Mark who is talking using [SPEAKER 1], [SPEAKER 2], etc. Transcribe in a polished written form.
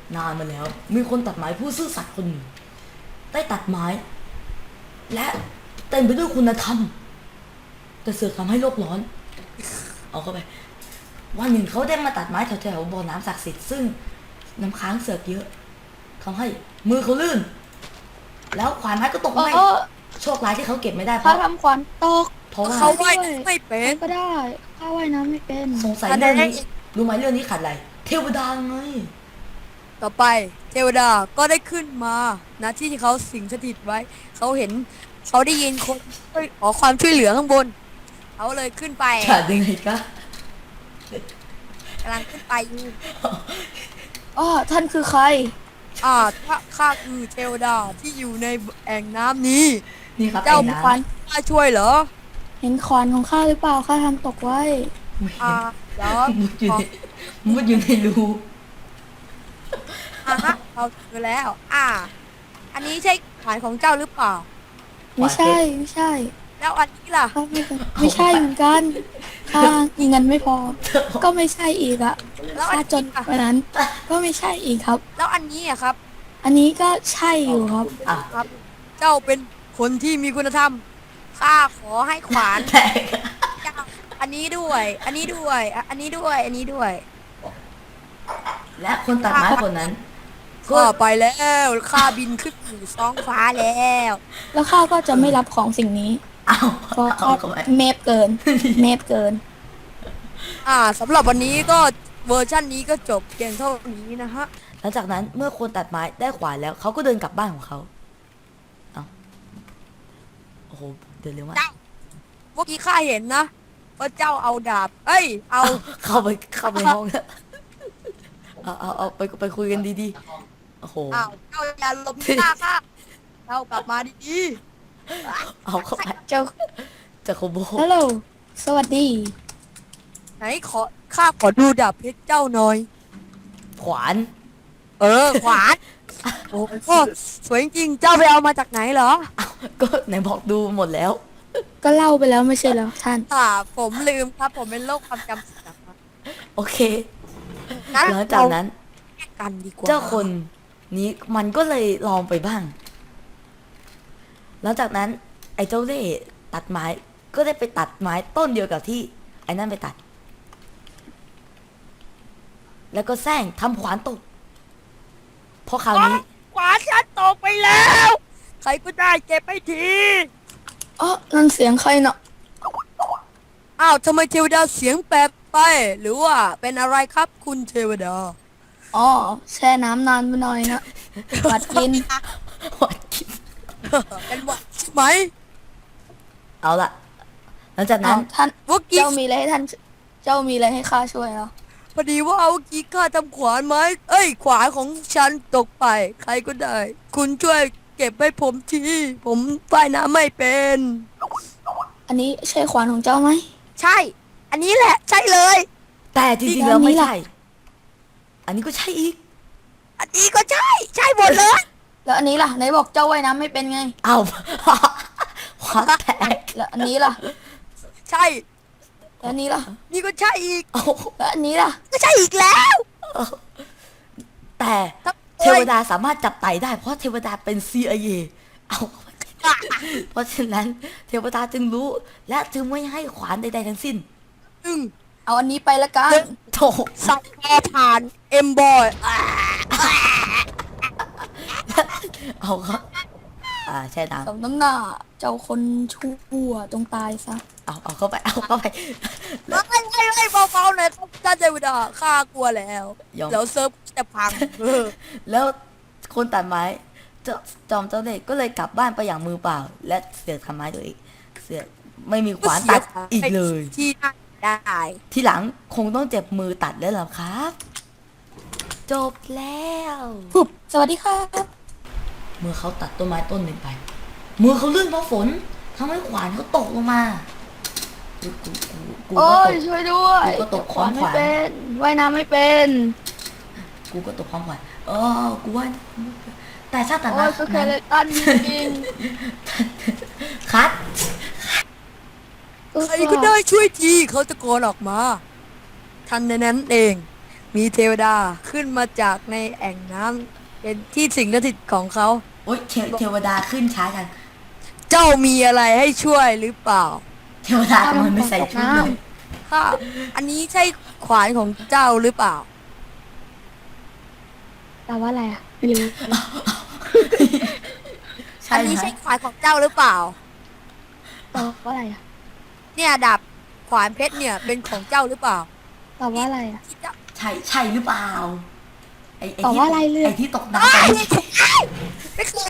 [SPEAKER 1] นานมาแล้วมีคนตัดไม้ผู้ซื่อสัตย์คนหนึ่งได้ตัดไม้และเต็มไปด้วยคุณธรรมแต่เสือกทำให้โลกร้อนเอาเข้าไปวันหนึ่งเขาได้มาตัดไม้แถวๆบ่อน้ำศักดิ์สิทธิ์ซึ่งน้ำค้างเสือกเยอะทำให้มือเขาลื่นแล้วขวานไม้ก็ตกไปโชคร้ายที่เขาเก็บไม่ได้เพ
[SPEAKER 2] เขา
[SPEAKER 1] ราะ
[SPEAKER 2] ทำขวัญตก
[SPEAKER 1] ว่า
[SPEAKER 3] เขาว่ายไม่เป็น
[SPEAKER 2] ก็ได้ข้าว่ายน้ำไม่เป็น
[SPEAKER 1] สงสัยเรื่องนี้รู้ไหมเรื่องนี้ขาดอะไรเทวดาไง
[SPEAKER 3] ต่อไปเทวดาก็ได้ขึ้นมานะที่เขาสิงสถิตไว้เขาเห็นเขาได้ยินคนขอความช่วยเหลือข้างบนเขาเลยขึ้นไป
[SPEAKER 1] ขาดยังไงกะ
[SPEAKER 3] กำลังขึ้นไปอยู่
[SPEAKER 2] อ๋อท่านคือใคร
[SPEAKER 3] ข้าคือเทวดาที่อยู่ในแอ่งน้ำนี้
[SPEAKER 1] นี่ครับ
[SPEAKER 3] เจ้า
[SPEAKER 1] ไอ้
[SPEAKER 3] มี
[SPEAKER 1] น้
[SPEAKER 3] ขวัญข้าช่วยเหรอ
[SPEAKER 2] เห็นขวานของข้าหรือเปล่าข้าทำตกไว้
[SPEAKER 1] ำไม่เห็
[SPEAKER 3] อ่าน เดี๋ยว
[SPEAKER 1] มุดอยู่ในรู
[SPEAKER 3] ฮะเราเจอแล้ว อันนี้ใช่ขวัญของเจ้าหรือเปล่า
[SPEAKER 2] ไม่ใช่ไม่ใช่
[SPEAKER 3] แล้วอันนี้ล่ะ
[SPEAKER 2] ข้าไม่ใช่เหมือนกันข้ามีเงินไม่พอ ก็ไม่ใช่อีกอะ
[SPEAKER 3] แล้วอั
[SPEAKER 2] ข้าน จน
[SPEAKER 3] นี้ล่ะ
[SPEAKER 2] วันนั้น ก็ไม่ใช่อีกครับ
[SPEAKER 3] แล้วอันนี้อะครับ
[SPEAKER 2] อันนี้ก็ใช่อยู่ครับ
[SPEAKER 1] อ่ะ
[SPEAKER 3] ครับ เจ้าเป็นคนที่มีคุณธรรมข้าขอให้ขวาน
[SPEAKER 1] แตก
[SPEAKER 3] เจ้าอันนี้ด้วย อันนี้ด้วยอันนี้ด้วย อันนี้ด้วย
[SPEAKER 1] และคนตัดไม้คนนั้น ก็
[SPEAKER 3] ข้าไปแล้วข้าบินขึ้นสู่ท้องฟ้าแล้ว
[SPEAKER 2] แล้วข้าก็จะไม่รับของสิ่งนี้
[SPEAKER 1] เอา
[SPEAKER 2] เพราะ
[SPEAKER 1] เอา
[SPEAKER 2] ข้า
[SPEAKER 1] เข้าไป
[SPEAKER 2] เมฟเกิน เมฟเกิน
[SPEAKER 3] สำหรับวันนี้ก็เวอร์ชันนี้ก็จบเพียงเท่านี้นะฮะ
[SPEAKER 1] หลังจากนั้นเมื่อคนตัดไม้ได้ขวานแล้วเขาก็เดินกลับบ้านของเขาเอาโอ้โหเดินเร็วมาก
[SPEAKER 3] เจ้า เมื่อกี้ข้าเห็นนะว่าเจ้าเอาดาบ เอ้ย เอา
[SPEAKER 1] เข้าไปห้องแล้วเอาไปคุยกันดีๆโอ้โห
[SPEAKER 3] เจ้าอย่าหลบหน้าข้าเจ้ากลับมาดี
[SPEAKER 1] เอาเข้าไป
[SPEAKER 2] เจ้า
[SPEAKER 1] จะโคโบ
[SPEAKER 2] ฮัลโหลสวัสดี
[SPEAKER 3] ๆไหนข้าขอดูดาบเพชรเจ้าหน่อย
[SPEAKER 1] ขวาน
[SPEAKER 3] ขวาน โอ้โหสวยจริงๆเจ้าไปเอามาจากไหนเหรอ
[SPEAKER 1] ก็ไหนบอกดูหมดแล้ว
[SPEAKER 2] ก็เล่าไปแล้วไม่ใช่เหรอท่าน
[SPEAKER 3] ผมลืมครับ ผมเป็นโรคความจำเสื่อมครับ
[SPEAKER 1] โอเค
[SPEAKER 3] งั้น
[SPEAKER 1] หลังจากนั้น
[SPEAKER 3] แยกกันดีกว่า
[SPEAKER 1] เจ้าคนนี้มันก็เลยลองไปบ้าง หลังจากนั้นไอ้เจ้าเล่ห์ตัดไม้ก็ได้ไปตัดไม้ต้นเดียวกับที่ไอ้นั่นไปตัด แล้วก็แซงทำขวานตกเพราะคราวนี้
[SPEAKER 3] ขวานฉันตกไปแล้ว ใครก็ได้เก็บไปที
[SPEAKER 2] อ๋อนั่นเสียงใครเนาะ
[SPEAKER 3] ทำไมเทวดาเสียงแปลกไป หรือว่าเป็นอะไรครับคุณเทวดา
[SPEAKER 2] อ๋อแช่น้ำนานไปหน่อยนะหวัดกิน
[SPEAKER 1] หวัดคิด
[SPEAKER 3] เป็นหวัดใช่ไหม
[SPEAKER 1] เอาละหลังจากนั้น
[SPEAKER 2] ท่าน
[SPEAKER 3] เมื่อกี้
[SPEAKER 2] เจ้ามีอะไรให้ท่าน เจ้ามีอะไรให้ข้าช่วยเหรอ
[SPEAKER 3] พอดีว่าเอาเมื่อกี้ข้าทำขวานไม้ขวานของฉันตกไป ใครก็ได้ คุณช่วยเก็บให้ผมที ผมว่ายน้ำไม่เป็น
[SPEAKER 2] อันนี้ใช่ขวานของเจ้าไหม
[SPEAKER 3] ใช่ อันนี้แหละ ใช่เลย
[SPEAKER 1] แต่จริงๆแล้วไม่ใช่ อันนี้ก็ใช่อีก
[SPEAKER 3] อันนี้ก็ใช่ ใช่หมดเลย
[SPEAKER 2] แล้วอันนี้ล่ะไหนบอกเจ้าว่ายน้ำไม่เป็นไง
[SPEAKER 1] เอา ขวานแตก
[SPEAKER 2] แล้วอันนี้ล่ะ
[SPEAKER 3] ใช่
[SPEAKER 2] แล้วอันนี้ล่ะ
[SPEAKER 3] นี่ก็ใช่อีก
[SPEAKER 1] เอา
[SPEAKER 2] แล้วอันนี้ล่ะ
[SPEAKER 3] ก็ใช่อีกแล้ว
[SPEAKER 1] แต่เทวดาสามารถจับไต่ได้เพราะเทวดาเป็น CIA เอาเพราะฉะนั้นเทวดาจึงรู้ และจึงไม่ให้ขวานใดๆทั้งสิ้น
[SPEAKER 2] เอาอันนี้ไปละกัน
[SPEAKER 1] โถ
[SPEAKER 3] สับพอผ่านเอ็มบอย
[SPEAKER 1] เอาครับแช่น้
[SPEAKER 2] สมน้ำหน้า เจ้าคนชั่วจงตายซะ
[SPEAKER 1] ำเอาเข้าไปเอาเข้าไป
[SPEAKER 3] ไม่เบาๆหน่อยครับท่านเทวดาข้ากลัวแล้ว
[SPEAKER 1] ยอม
[SPEAKER 3] เดี๋ยวเซิร์ฟจะพัง
[SPEAKER 1] แล้วคนตัดไม้จอมเจ้าเด็กก็เลยกลับบ้านไปอย่างมือเปล่า และเสือกทำไม้ตัวเองเสือกไม่มีขวานตัดอีกเลย
[SPEAKER 3] ที่น่าได้
[SPEAKER 1] ทีหลังคงต้องเจ็บมือตัดแล้วเหรอครับ จบแล้ว
[SPEAKER 2] ปุ๊บสวัสดีครับ
[SPEAKER 1] เมื่อเขาตัดต้นไม้ต้นหนึ่งไปมือเขาลื่นเพราะฝนทำให้ขวานเขาตกลงมากู
[SPEAKER 2] โอ้
[SPEAKER 1] ก็ต
[SPEAKER 2] ย
[SPEAKER 1] ก
[SPEAKER 2] ช่วยด้วย
[SPEAKER 1] กูก็ตกของขวัญ
[SPEAKER 2] ไม่เป็นว่ายน้ำไม่เป็น
[SPEAKER 1] กูก็ตกความขวัญกูว่าแต่ชาติตัด
[SPEAKER 2] โอ้
[SPEAKER 1] ไม้
[SPEAKER 2] ยสเคเลตันจริง
[SPEAKER 1] คัด
[SPEAKER 2] ๆ
[SPEAKER 3] ใครก็ได้ช่วยทีเขาตะโกนออกมาทันในนั้นเองมีเทวดาขึ้นมาจากในแอ่งน้ำเป็นที่สิงสถิตของเขา
[SPEAKER 1] โอ๊ยเทวดาขึ้นช้าจัง
[SPEAKER 3] เจ้ามีอะไรให้ช่วยหรือเปล่า
[SPEAKER 1] เทวดาทำไมไม่ใส่ชุดเลย
[SPEAKER 3] ข้าอันนี้ใช่ขวานของเจ้าหรือเปล่า
[SPEAKER 2] แต่ว่าอะไรอ่ะไม่รู้
[SPEAKER 1] ใช่
[SPEAKER 3] อันนี้
[SPEAKER 1] ไหม
[SPEAKER 3] ใช่ขวานของเจ้าหรือเปล่า
[SPEAKER 2] แต่ว่าอะไรอ่ะ
[SPEAKER 3] เนี่ยดาบขวานเพชรเนี่ยเป็นของเจ้าหรือเปล่า
[SPEAKER 2] แต่ว่าอะไรอ่ะ
[SPEAKER 3] ที่เจ้า
[SPEAKER 1] ใช่หรือเปล่า ไอ้
[SPEAKER 2] ตอบว่าอะไรเลย
[SPEAKER 1] ไอ้ที่ตกน้ำไป
[SPEAKER 3] ไม่เคย